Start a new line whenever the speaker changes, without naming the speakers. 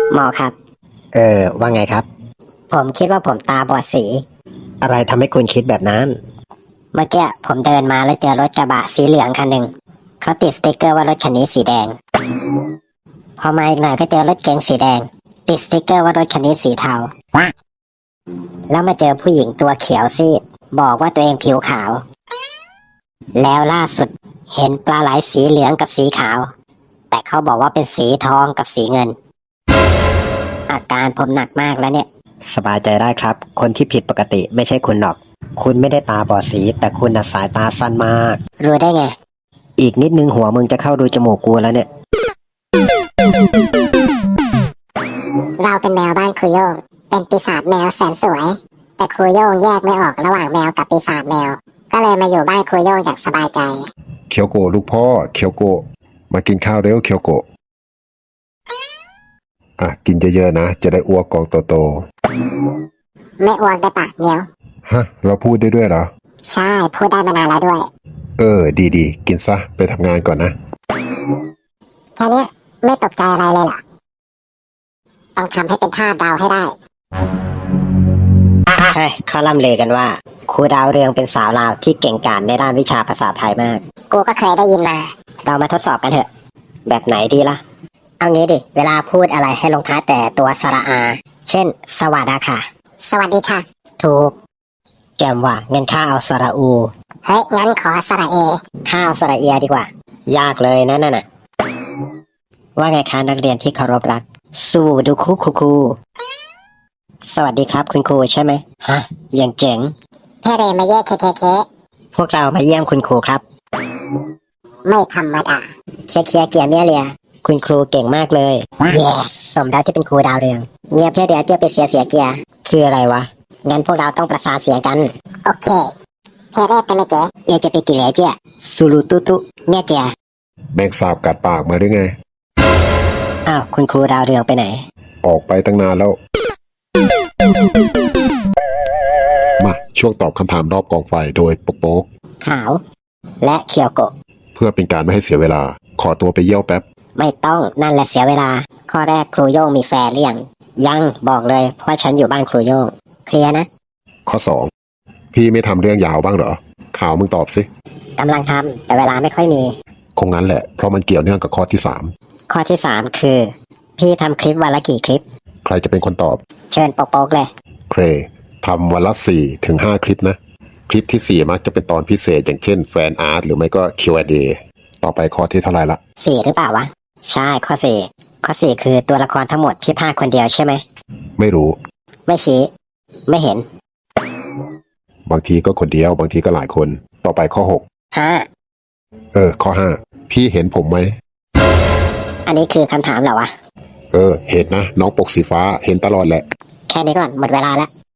หมอครับ
ว่าไงครับ
ผมคิดว่าผมตาบอดสี
อะไรทำให้คุณคิดแบบนั้น
เมื่อกี้ผมเดินมาแล้วเจอรถกระบะสีเหลืองคันหนึ่งเขาติดสติ๊กเกอร์ว่ารถคันนี้สีแดงพอมาอีกหน่อยก็เจอรถเก๋งสีแดงติดสติ๊กเกอร์ว่ารถคันนี้สีเทาแล้วมาเจอผู้หญิงตัวเขียวซีดบอกว่าตัวเองผิวขาวแล้วล่าสุดเห็นปลาไหลสีเหลืองกับสีขาวแต่เขาบอกว่าเป็นสีทองกับสีเงินอาการผมหนักมากแล้วเนี่ย
สบายใจได้ครับคนที่ผิดปกติไม่ใช่คุณหรอกคุณไม่ได้ตาบอดสีแต่คุณน่ะสายตาสั้นมาก
รู้ได้ไง
อีกนิดนึงหัวมึงจะเข้ารูจมูกกูแล้วเนี่ย
เราเป็นแมวบ้านครูโย่งเป็นปีศาจแมวแสนสวยแต่ครูโย่งแยกไม่ออกระหว่างแมวกับปีศาจแมวก็เลยมาอยู่บ้านครูโย่งอย่างสบายใจ
เคียวโกะลูกพ่อเคียวโกะมากินข้าวเร็วเคียวโกะกินเยอะๆนะจะได้อ้วกกองโต
ไม่อ้วกได้ปะเมียว
ๆฮะเราพูดได้ด้วยเหรอ
ใช่พูดได้มานานแล้วด้วย
ดีๆกินซะไปทำงานก่อนนะ
แค่นี้ไม่ตกใจอะไรเลยเหรอต้องทำให้เป็นท่าดาวให้ได้
เฮ้ยเขาล่ำลือกันว่าครูดาวเรืองเป็นสาวลาวที่เก่งกาจในด้านวิชาภาษาไทยมาก
กูก็เคยได้ยินมา
เรามาทดสอบกันเถอะแบบไหนดีล่ะ
เอางี้ดิเวลาพูดอะไรให้ลงท้ายแต่ตัวสระอาเช่นสวัสดีค่ะสวัสดีค่ะถูก
แกมว่างั้นข้าเอาสระอู
เฮ้ยงั้นขอสระเอข้าวสระเอียดีกว่
ายากเลยนั่นน่ะว่าไงคะนักเรียนที่เคารพรักสู้ดูครูสวัสดีครับคุณครูใช่ไหมฮะอย่างเจ๋ง
แค่เรมาเย่เค
พวกเรามาเยี่ยมคุณครูครับ
ไม่ธรรมดาเคเกียร์เมียเรีย
คุณครูเก่งมากเลย
yes สมแล้วที่เป็นครูดาวเรืองเมียเพี้ยเดียวเตี้ยไปเสียเกียร์
คืออะไรวะ
งั้นพวกเราต้องประสานเสียงกันโอเคเพเรศเป็นไหมเจ๊เอจะไปกี่เหล่เจ๊
สุรุตุ
เมียเจ๊
แมงสาบกัดปากมาหรือไง
อ้าวคุณครูดาวเรืองไปไหน
ออกไปตั้งนานแล้วมาช่วงตอบคำถามรอบกองไฟโดยโป๊ก
ขาวและเคียวโกะ
เพื่อเป็นการไม่ให้เสียเวลาขอตัวไปเยี่ยวแป๊บ
ไม่ต้องนั่นแหละเสียเวลาข้อแรกครูโย่งมีแฟนหรือยังบอกเลยเพราะฉันอยู่บ้านครูโย่งเคลียร์นะ
ข้อ2พี่ไม่ทำเรื่องยาวบ้างเหรอข่าวมึงตอบสิ
กำลังทำแต่เวลาไม่ค่อยมี
คงงั้นแหละเพราะมันเกี่ยวเนื่องกับข้อที่
ข้อที่3คือพี่ทำคลิปวันละกี่คลิป
ใครจะเป็นคนตอบ
เชิญโป๊กเลย
เครทำวันละ4 ถึง 5คลิปนะคลิปที่4มักจะเป็นตอนพิเศษอย่างเช่นแฟนอาร์ตหรือไม่ก็ Q&A ต่อไปข้อที่เท่าไหร่ละ
4หรือเปล่าวะใช่ข้อ4คือตัวละครทั้งหมดพี่พากคนเดียวใช่ไหม
ไม่รู้
ไม่ชี้ไม่เห็น
บางทีก็คนเดียวบางทีก็หลายคนต่อไปข้อ6ข้อ5พี่เห็นผมไหม
อันนี้คือคำถามเหรอวะ
เห็นนะน้องปกสีฟ้าเห็นตลอดแหละ
แค่นี้ก่อนหมดเวลาแล้ว